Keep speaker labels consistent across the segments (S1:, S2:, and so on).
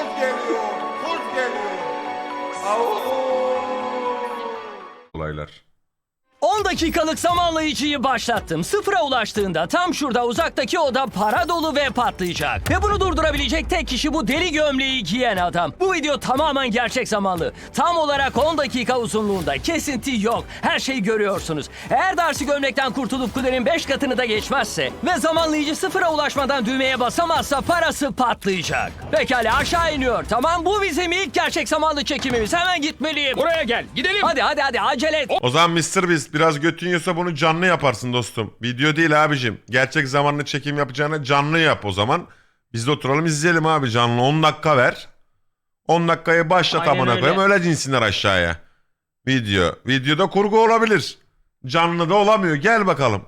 S1: Kuz geliyor. Kuz geliyor. Au.
S2: Olaylar.
S3: 10 dakikalık zamanlayıcıyı başlattım. Sıfıra ulaştığında tam şurada uzaktaki oda para dolu ve patlayacak. Ve bunu durdurabilecek tek kişi bu deli gömleği giyen adam. Bu video tamamen gerçek zamanlı. Tam olarak 10 dakika uzunluğunda. Kesinti yok. Her şeyi görüyorsunuz. Eğer Darcy gömlekten kurtulup kulenin 5 katını da geçmezse ve zamanlayıcı sıfıra ulaşmadan düğmeye basamazsa parası patlayacak. Pekala aşağı iniyor. Tamam, bu bizim ilk gerçek zamanlı çekimimiz. Hemen gitmeliyim.
S4: Buraya gel. Gidelim.
S3: Hadi acele et.
S2: O zaman Mr. Beast biraz götün yiyorsa bunu canlı yaparsın dostum. Video değil abicim. Gerçek zamanlı çekim yapacağına canlı yap o zaman. Biz de oturalım izleyelim abi canlı. 10 dakika ver. 10 dakikayı başlat
S4: Aynen
S2: amına
S4: öyle.
S2: koyayım öyle dinsinler aşağıya. Video. Videoda kurgu olabilir. Canlı da olamıyor. Gel bakalım.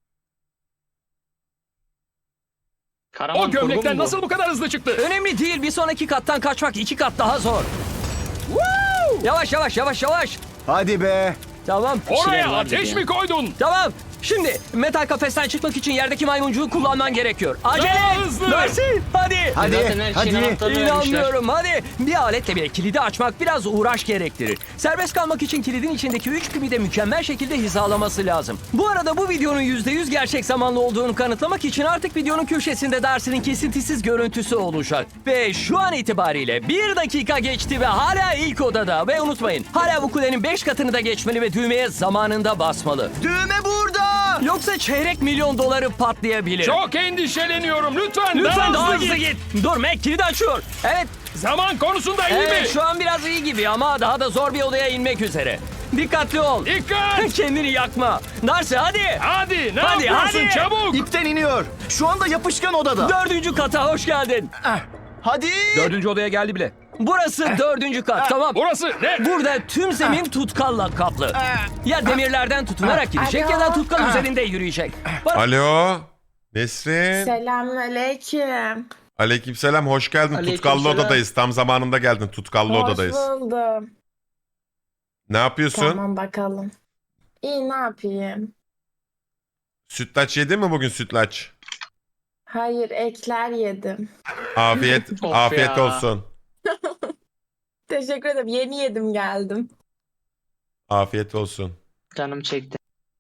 S4: O gömlekten nasıl bu kadar hızlı çıktı?
S3: Önemli değil, bir sonraki kattan kaçmak 2 kat daha zor. Woo! Yavaş.
S5: Hadi be.
S3: Tamam.
S4: Oraya ateş mi koydun?
S3: Tamam. Şimdi metal kafesten çıkmak için yerdeki maymuncuğu kullanman gerekiyor. Acele
S4: Daha
S3: et.
S4: hızlı.
S3: Darcy, hadi.
S4: Zaten her şeyin anahtarını vermişler.
S3: İnanmıyorum, hadi. Bir aletle bile kilidi açmak biraz uğraş gerektirir. Serbest kalmak için kilidin içindeki 3 pimi de mükemmel şekilde hizalaması lazım. Bu arada bu videonun %100 gerçek zamanlı olduğunu kanıtlamak için artık videonun köşesinde Darcy'nin kesintisiz görüntüsü olacak. Ve şu an itibariyle 1 dakika geçti ve hala ilk odada. Ve unutmayın, hala bu kulenin 5 katını da geçmeli ve düğmeye zamanında basmalı.
S5: Düğme burada.
S3: Yoksa çeyrek milyon doları patlayabilir.
S4: Çok endişeleniyorum. Lütfen
S3: Lütfen daha
S4: hızlı
S3: hızlı git. Dur, Mac kilidi açıyor. Evet,
S4: Zaman konusunda iyi mi?
S3: şu an biraz iyi gibi ama daha da zor bir odaya inmek üzere. Dikkatli ol.
S4: Dikkat.
S3: Kendini yakma. Darcy hadi.
S4: Hadi ne
S3: Hadi,
S4: yapıyorsun
S3: hadi.
S4: çabuk?
S5: İpten iniyor. Şu anda yapışkan odada.
S3: 4. kata hoş geldin.
S5: Hadi.
S3: 4. odaya geldi bile. Burası 4. kat, tamam.
S4: Burası ne?
S3: Burada tüm zemin tutkalla kaplı. Ya demirlerden tutunarak gidecek ya da tutkal üzerinde yürüyecek.
S2: Alo. Nesrin.
S6: Selamünaleyküm.
S2: Aleykümselam. Hoş geldin. Tutkallı odadayız. Tam zamanında geldin. Tutkallı odadayız.
S6: Hoş buldum.
S2: Ne yapıyorsun?
S6: Tamam bakalım. İyi, ne yapayım?
S2: Sütlaç yedin mi bugün sütlaç?
S6: Hayır, ekler yedim.
S2: Afiyet
S4: Of
S2: afiyet
S4: ya.
S2: olsun.
S6: Teşekkür ederim. Yeni yedim geldim.
S2: Afiyet olsun.
S7: Canım çekti.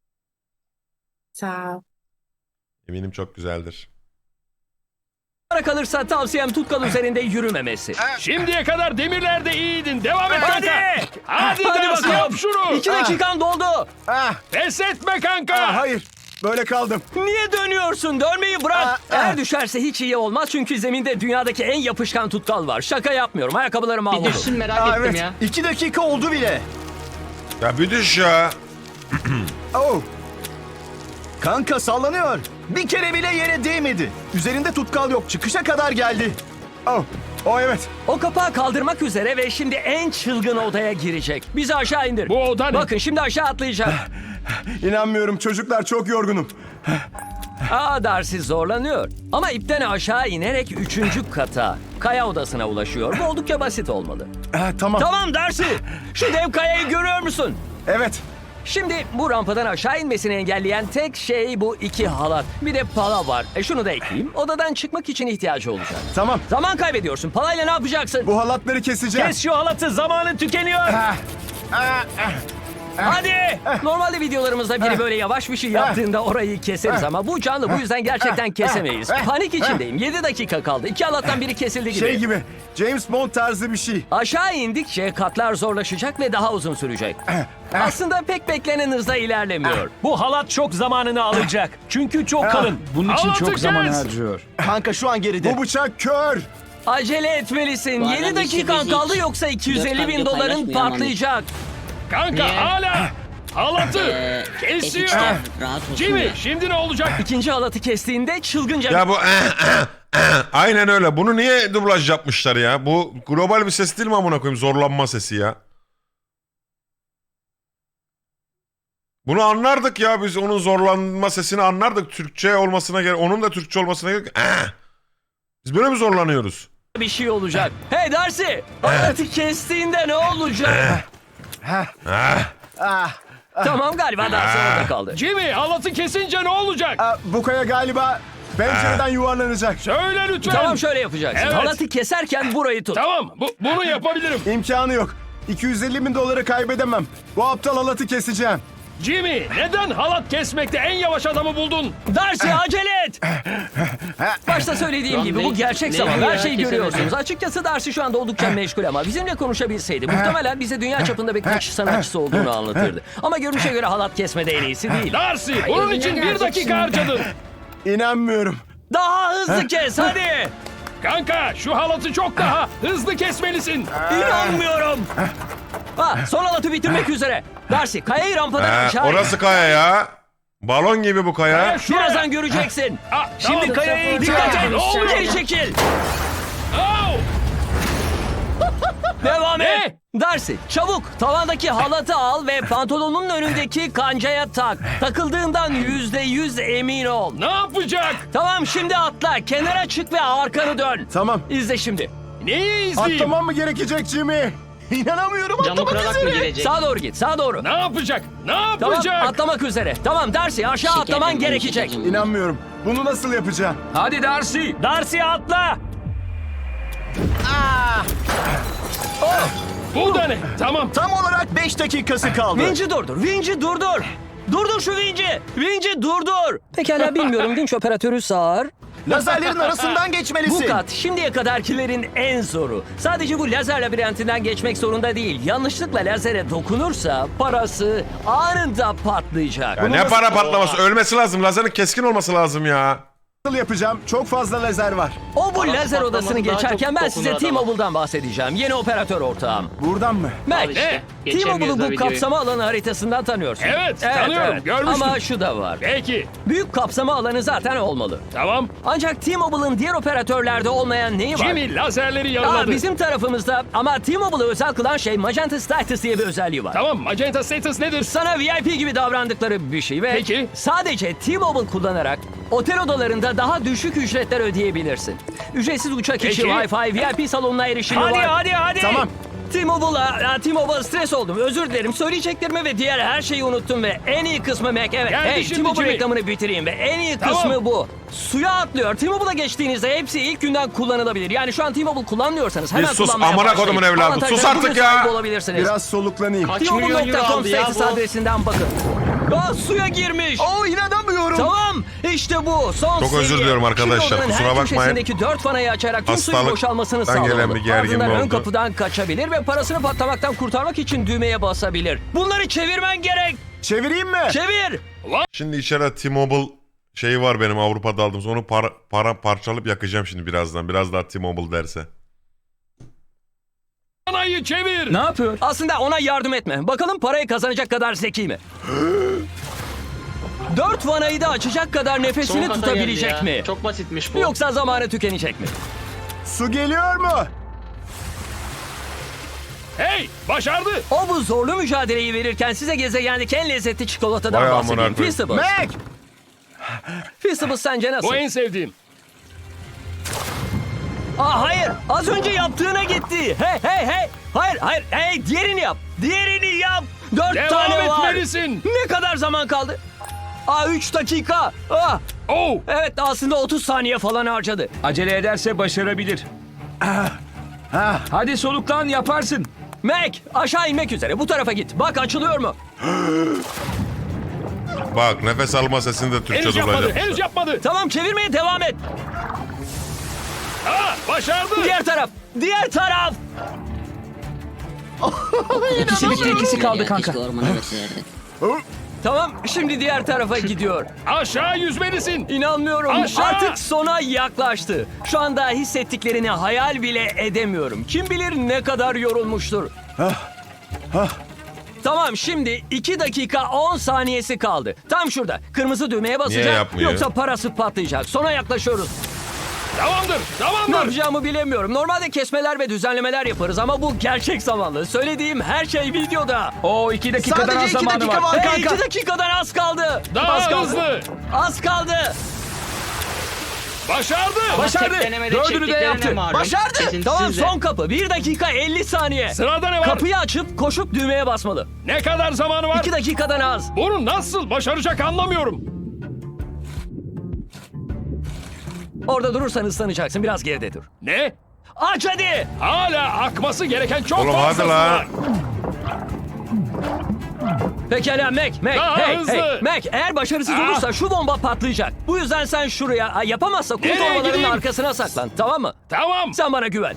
S6: Sağ ol.
S2: Eminim çok güzeldir.
S3: Bana kalırsa tavsiyem tutkal üzerinde yürümemesi.
S4: Şimdiye kadar demirlerde iyiydin. Devam et
S3: Hadi.
S4: kanka. Hadi
S3: Hadi
S4: Darcy,
S3: bakalım.
S4: yap şunu.
S3: 2 dakikan doldu.
S5: Ah,
S4: Pes etme kanka.
S5: hayır. Böyle kaldım.
S3: Niye dönüyorsun? Dönmeyi bırak. Eğer düşerse hiç iyi olmaz çünkü zeminde dünyadaki en yapışkan tutkal var. Şaka yapmıyorum. Ayakkabılarım
S7: Bir
S3: mahvoldu.
S7: düşsün merak ettim
S5: Evet.
S7: ya.
S5: 2 dakika oldu bile.
S2: Ya bir düş ya.
S5: Oh. Kanka sallanıyor. Bir kere bile yere değmedi. Üzerinde tutkal yok. Çıkışa kadar geldi. Oh. Oh evet.
S3: O kapağı kaldırmak üzere ve şimdi en çılgın odaya girecek. Bizi aşağı indir.
S4: Bu oda ne?
S3: Bakın şimdi aşağı atlayacak.
S5: İnanmıyorum çocuklar, çok yorgunum.
S3: Darcy zorlanıyor. Ama ipten aşağı inerek 3. kata, kaya odasına ulaşıyor. Bu oldukça basit olmalı.
S5: Tamam.
S3: Tamam Darcy. Şu dev kayayı görüyor musun?
S5: Evet.
S3: Şimdi bu rampadan aşağı inmesini engelleyen tek şey bu 2 halat. Bir de pala var. Şunu da ekleyeyim. Odadan çıkmak için ihtiyacı olacak.
S5: Tamam.
S3: Zaman kaybediyorsun. Palayla ne yapacaksın?
S5: Bu halatları keseceğim.
S3: Kes şu halatı. Zamanın tükeniyor. Hadi. Normalde videolarımızda biri böyle yavaş bir şey yaptığında orayı keseriz ama bu canlı, bu yüzden gerçekten kesemeyiz. Panik içindeyim. 7 dakika kaldı. 2 halattan biri kesildi gibi.
S5: Şey gibi. James Bond tarzı bir şey.
S3: Aşağı indikçe katlar zorlaşacak ve daha uzun sürecek. Aslında pek beklenen hızda ilerlemiyor.
S4: Bu halat çok zamanını alacak. Çünkü çok kalın. Bunun için çok zaman harcıyor.
S5: Kanka şu an geride. Bu bıçak kör.
S3: Acele etmelisin.
S7: Bu
S3: 7
S7: adam
S3: dakikan
S7: işi
S3: kaldı
S7: hiç
S3: yoksa 250 bin
S7: gösterge
S3: doların
S7: paylaşmıyor ama.
S3: patlayacak.
S4: Kanka
S7: Niye?
S4: hala halatı
S7: Ekipten
S4: kesiyor.
S7: rahat olsun
S4: Jimmy
S7: ya.
S4: şimdi ne olacak?
S3: İkinci halatı kestiğinde çılgınca...
S2: Ya bu aynen öyle. Bunu niye dublaj yapmışlar ya? Bu global bir ses değil mi amına koyayım? Zorlanma sesi ya. Bunu anlardık ya biz, onun zorlanma sesini anlardık. Türkçe olmasına gerek, onun da Türkçe olmasına gerek. Biz böyle mi zorlanıyoruz?
S3: bir şey olacak. Hey Darcy! Halatı kestiğinde ne olacak? Tamam, galiba Darcy orada kaldı.
S4: Jimmy halatı kesince ne olacak?
S5: Bu kaya galiba Pencereden yuvarlanacak.
S4: Söyle lütfen.
S3: Tamam şöyle yapacaksın.
S4: Evet.
S3: Halatı keserken burayı tut.
S4: Tamam, bunu yapabilirim.
S5: İmkanı yok. 250 bin doları kaybedemem. Bu aptal halatı keseceğim.
S4: Jimmy, neden halat kesmekte en yavaş adamı buldun?
S3: Darcy acele et. Başta söylediğim
S7: Lan
S3: gibi bu gerçek
S7: ne
S3: zaman.
S7: ya,
S3: Her şeyi
S7: kesemedim.
S3: görüyorsunuz. Açıkçası Darcy şu anda oldukça meşgul ama bizimle konuşabilseydi muhtemelen bize dünya çapında bir kaçış sanatçısı olduğunu anlatırdı. Ama görünüşe göre halat kesmede en iyisi değil.
S4: Darcy, bunun
S6: eline
S4: için bir
S6: gelecek
S4: dakika
S6: şimdi.
S4: harcadın.
S5: İnanmıyorum.
S3: Daha hızlı kes hadi.
S4: Kanka, şu halatı çok daha hızlı kesmelisin.
S3: İnanmıyorum. Son halatı bitirmek üzere. Darcy kayayı rampadan aşağı in.
S2: Orası kaya ya. Balon gibi bu kaya.
S4: Ya şuraya.
S3: Birazdan göreceksin.
S4: Şimdi
S3: Şimdi kayaya
S6: Dikkat
S3: dikkat
S6: et.
S3: et. Geri çekil.
S4: Oh!
S3: Devam
S4: Ne?
S3: et. Darcy çabuk tavandaki halatı al ve pantolonun önündeki kancaya tak. Takıldığından %100 emin ol.
S4: Ne yapacak?
S3: Tamam şimdi atla. Kenara çık ve arkanı dön.
S5: Tamam.
S3: İzle şimdi.
S4: Neyi izleyeyim?
S5: Atlamam mı gerekecek Jimmy? İnanamıyorum.
S7: Camı
S5: Atlamak
S7: kırarak mı
S5: üzere.
S7: girecek?
S3: Sağa doğru git. Sağa doğru.
S4: Ne yapacak? Ne
S3: Tamam
S4: yapacak?
S3: atlamak üzere. Tamam Darcy aşağı
S7: Şeker
S3: atlaman
S7: yemeği
S3: gerekecek.
S7: içeceğim.
S5: İnanmıyorum. Bunu nasıl yapacağım?
S3: Hadi Darcy. Darcy atla.
S4: Bu da ne? Tamam.
S5: Tam olarak 5 dakikası kaldı.
S3: Vinci durdur. Vinci durdur. Durdur şu Vinci. Vinci durdur. Pekala bilmiyorum. Vinç operatörü sağır.
S5: Lazerlerin arasından
S3: Bu
S5: geçmelisin.
S3: kat şimdiye kadarkilerin en zoru. Sadece bu lazer labirentinden geçmek zorunda değil. Yanlışlıkla lazere dokunursa parası anında patlayacak.
S2: Ya ne para patlaması? Ölmesi lazım. Lazerin keskin olması lazım ya.
S5: Nasıl yapacağım? Çok fazla lazer var.
S3: O bu
S7: Parası
S3: lazer odasını
S7: patlaması daha
S3: geçerken
S7: çok
S3: ben size
S7: dokunur adama.
S3: T-Mobile'dan bahsedeceğim. Yeni operatör ortağım.
S5: Buradan mı?
S3: Mac,
S4: işte,
S7: geçemiyoruz
S3: T-Mobile'ı
S7: da
S3: bu
S7: videoyu.
S3: kapsama alanı haritasından tanıyorsun.
S4: Evet, tanıyorum, görmüştüm.
S3: Ama şu da var.
S4: Peki.
S3: Büyük kapsama alanı zaten olmalı.
S4: Tamam.
S3: Ancak T-Mobile'ın diğer operatörlerde olmayan neyi var?
S4: Jimmy lazerleri yaraladı.
S3: Bizim tarafımızda ama T-Mobile'ı özel kılan şey Magenta Status diye bir özelliği var.
S4: Tamam, Magenta Status nedir?
S3: Sana VIP gibi davrandıkları bir şey ve
S4: Peki.
S3: sadece T-Mobile kullanarak otel odalarında daha düşük ücretler ödeyebilirsin. Ücretsiz uçak içi,
S4: Peki.
S3: Wi-Fi, VIP salonuna erişimi
S4: Hadi,
S3: var.
S4: hadi.
S5: Tamam.
S3: T-Mobile stres oldum. Özür dilerim. Söyleyeceklerimi ve diğer her şeyi unuttum ve en iyi kısmı Mac. Evet.
S4: Geldi
S3: Hey,
S4: şimdi
S3: T-Mobile
S4: Jimmy.
S3: reklamını bitireyim ve en iyi
S4: Tamam.
S3: kısmı bu. Suya atlıyor. T-Mobile'a geçtiğinizde hepsi ilk günden kullanılabilir. Yani şu an T-Mobile kullanmıyorsanız hemen
S2: Bir sus,
S3: kullanmaya
S2: amına
S3: başlayın.
S2: kodumun evladı.
S3: Avantajlara
S2: Sus artık
S3: bugün
S2: ya.
S3: sahip olabilirsiniz.
S5: Biraz soluklanayım.
S7: Kaç milyon euro
S3: T-Mobile.com
S7: aldı ya
S3: status
S7: bu?
S3: adresinden bakın. Suya girmiş.
S5: Oo inanamıyorum.
S3: Tamam işte bu son
S2: Çok özür
S3: seviye.
S2: diliyorum arkadaşlar,
S3: Şimdi odanın
S2: kusura
S3: her
S2: bakmayın.
S3: köşesindeki 4 fanayı açarak tüm suyun
S2: Hastalıktan
S3: boşalmasını
S2: gelen
S3: sağlamalı.
S2: bir gerginlik
S3: Ardından ön
S2: oldu.
S3: kapıdan kaçabilir ve parasını patlamaktan kurtarmak için düğmeye basabilir. Bunları çevirmen gerek.
S5: Çevireyim mi?
S3: Çevir.
S2: Şimdi içeride T-Mobile şeyi var benim Avrupa'da aldığım. Onu parçalayıp yakacağım şimdi birazdan. Biraz daha T-Mobile derse.
S4: Anayı çevir.
S3: Ne yapıyor? Aslında ona yardım etme. Bakalım parayı kazanacak kadar zeki mi? 4 vanayı da açacak kadar
S7: Son
S3: nefesini
S7: kata
S3: tutabilecek
S7: geldi ya.
S3: mi?
S7: Çok basitmiş bu.
S3: Yoksa zamanı tükenecek mi?
S5: Su geliyor mu?
S4: Hey, başardı.
S3: O bu zorlu mücadeleyi verirken size gezegendeki en lezzetli çikolatadan
S2: Vay amına
S3: bahsedeyim.
S2: koyayım.
S3: Feastables.
S5: Mac!
S3: Feastables sence nasıl?
S4: Bu en sevdiğim.
S3: Hayır. Az önce yaptığına gitti. Hey. Hayır. Hey, diğerini yap. Diğerini yap. 4
S4: Devam
S3: tane var.
S4: etmelisin.
S3: Ne kadar zaman kaldı? 3 dakika.
S4: Oh.
S3: Evet aslında 30 saniye falan harcadı.
S8: Acele ederse başarabilir. Hadi soluklan, yaparsın.
S3: Mac aşağı inmek üzere. Bu tarafa git. Bak açılıyor mu?
S2: Bak nefes alma sesini de Türkçe
S4: Henüz yapmadı.
S2: dublaj
S4: Henüz yapmadı.
S3: Tamam çevirmeye devam et.
S4: Başardı.
S3: Diğer taraf. Diğer taraf.
S8: İkisi bitti, ikisi kaldı kanka.
S7: Keşke ormana götürürdük.
S3: Tamam şimdi diğer tarafa gidiyor.
S4: Aşağı yüzmelisin.
S3: İnanmıyorum.
S4: Aşağı!
S3: Artık sona yaklaştı. Şu anda hissettiklerini hayal bile edemiyorum. Kim bilir ne kadar yorulmuştur. Tamam şimdi 2 dakika 10 saniyesi kaldı. Tam şurada. Kırmızı düğmeye basacak.
S2: yapmıyor?
S3: Yoksa parası patlayacak. Sona yaklaşıyoruz.
S4: Tamamdır.
S3: Ne
S4: Tamamdır.
S3: yapacağımı bilemiyorum. Normalde kesmeler ve düzenlemeler yaparız ama bu gerçek zamanlı. Söylediğim her şey videoda.
S8: O 2 dakikadan
S5: Sadece
S8: az
S5: 2
S8: zamanı
S5: dakika
S8: var.
S5: var
S3: Hey, 2
S5: kanka.
S3: dakikadan az kaldı.
S4: Daha
S3: az kaldı.
S4: hızlı.
S3: Az kaldı.
S4: Başardı.
S8: Başardı.
S7: Tek denemede
S8: Dördünü de
S7: çektiklerine
S8: yaptı.
S7: malum.
S3: Başardı.
S7: Kesintisiz
S3: Tamam
S7: de.
S3: son kapı. 1 dakika 50 saniye.
S4: Sırada ne var?
S3: Kapıyı açıp koşup düğmeye basmalı.
S4: Ne kadar zamanı var?
S3: 2 dakikadan az.
S4: Bunu nasıl başaracak anlamıyorum.
S3: Orada durursan ıslanacaksın. Biraz geride dur.
S4: Ne?
S3: Aç hadi.
S4: Hala akması gereken çok
S2: Oğlum hadi
S4: fazlası
S2: la.
S4: var.
S3: Pekala Mac.
S4: Daha
S3: Hey,
S4: hızlı.
S3: hey. Mac, eğer başarısız
S4: Ah.
S3: olursa şu bomba patlayacak. Bu yüzden sen şuraya, yapamazsa kum
S4: Nereye
S3: torbalarının
S4: gideyim?
S3: arkasına saklan. Tamam mı?
S4: Tamam.
S3: Sen bana güven.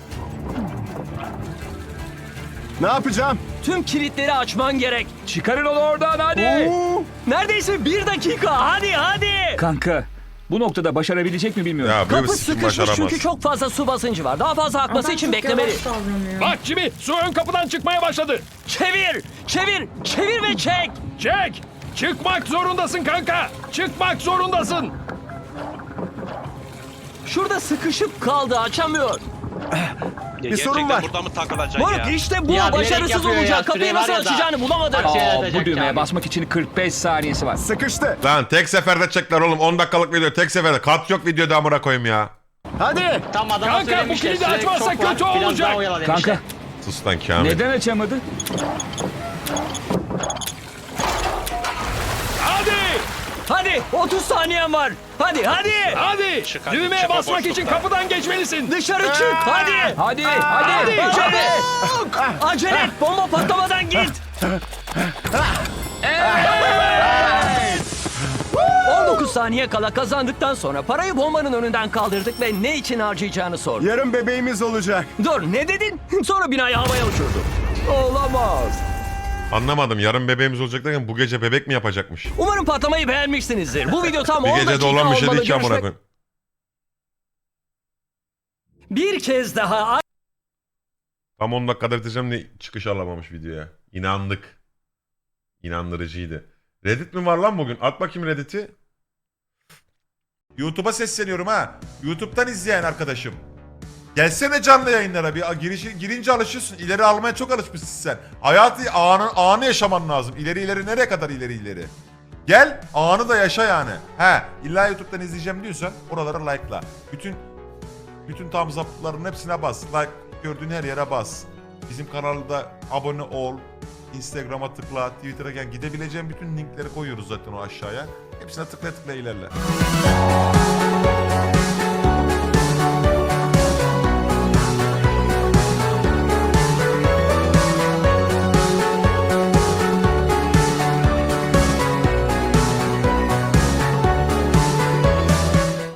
S5: Ne yapacağım?
S3: Tüm kilitleri açman gerek.
S8: Çıkarın onu oradan hadi.
S3: Neredeyse 1 dakika. Hadi.
S8: Kanka bu noktada başarabilecek mi bilmiyorum.
S2: Ya böyle bir
S3: Kapı
S2: sikim
S3: sıkışmış
S2: başaramaz.
S3: çünkü çok fazla su basıncı var. Daha fazla akması
S6: Adam
S3: için
S6: çok
S3: beklemeli.
S6: yavaş davranıyor.
S4: Bak Jimmy, su ön kapıdan çıkmaya başladı.
S3: Çevir ve çek.
S4: Çek. Çıkmak zorundasın kanka. Çıkmak zorundasın.
S3: Şurada sıkışıp kaldı, açamıyor.
S5: Bir sorun var.
S1: Burada mı takılacak
S3: Moruk işte bu
S7: Ya bilerek
S3: başarısız
S7: yapıyor ya,
S3: olacak. Kapıyı
S7: süre
S3: nasıl
S7: var ya da.
S3: açacağını bulamadı.
S7: Bak, şey
S8: Aa,
S7: atacak
S8: bu düğmeye
S7: yani.
S8: basmak için 45 saniyesi var.
S5: Sıkıştı.
S2: Lan tek seferde çekler oğlum. 10 dakikalık video tek seferde. Kat yok videoda amına koyayım ya.
S5: Hadi.
S7: Tam adama
S4: Kanka, bu
S7: söylemişler.
S4: kilidi
S7: süre
S4: açmazsa
S7: çok var,
S4: kötü
S7: biraz
S4: olacak.
S7: daha oyala demişler.
S8: Kanka
S2: Sus lan Kamil.
S8: neden açamadı?
S4: Hadi.
S3: 30 saniyen var. Hadi.
S4: Hadi.
S1: hadi,
S4: Düğmeye
S1: çık o
S4: basmak için
S1: boşluktan.
S4: kapıdan geçmelisin.
S3: Dışarı çık. Hadi.
S8: Hadi.
S3: Acele et. Bomba patlamadan git. 19 saniye kala kazandıktan sonra parayı bombanın önünden kaldırdık ve ne için harcayacağını sorduk.
S5: Yarın bebeğimiz olacak.
S3: Dur, ne dedin? Sonra binayı havaya uçurdu. Olamaz.
S2: Anlamadım. Yarın bebeğimiz olacak derken bu gece bebek mi yapacakmış?
S3: Umarım patlamayı beğenmişsinizdir. Bu video tam
S2: Bir
S3: 10
S2: gecede
S3: dakika
S2: olan bir şey
S3: olmalı.
S2: değil ki amına
S3: Görüşmek-
S2: koyayım.
S3: Bir kez daha
S2: Tam 10 dakikada bitireceğim de çıkış alamamış videoya. İnandık. İnandırıcıydı. Reddit mi var lan bugün? At bakayım Reddit'i. YouTube'a sesleniyorum ha. YouTube'dan izleyen arkadaşım. Gelsene canlı yayınlara bir girince alışıyorsun. İleri almaya çok alışmışsın sen. Hayatı anı yaşaman lazım. İleri nereye kadar ileri. Gel anı da yaşa yani. He illa YouTube'dan izleyeceğim diyorsan oralara like'la. Bütün thumbs up'ların hepsine bas. Like gördüğün her yere bas. Bizim kanalda abone ol. Instagram'a tıkla, Twitter'a gel. Gidebileceğin bütün linkleri koyuyoruz zaten o aşağıya. Hepsine tıkla ilerle.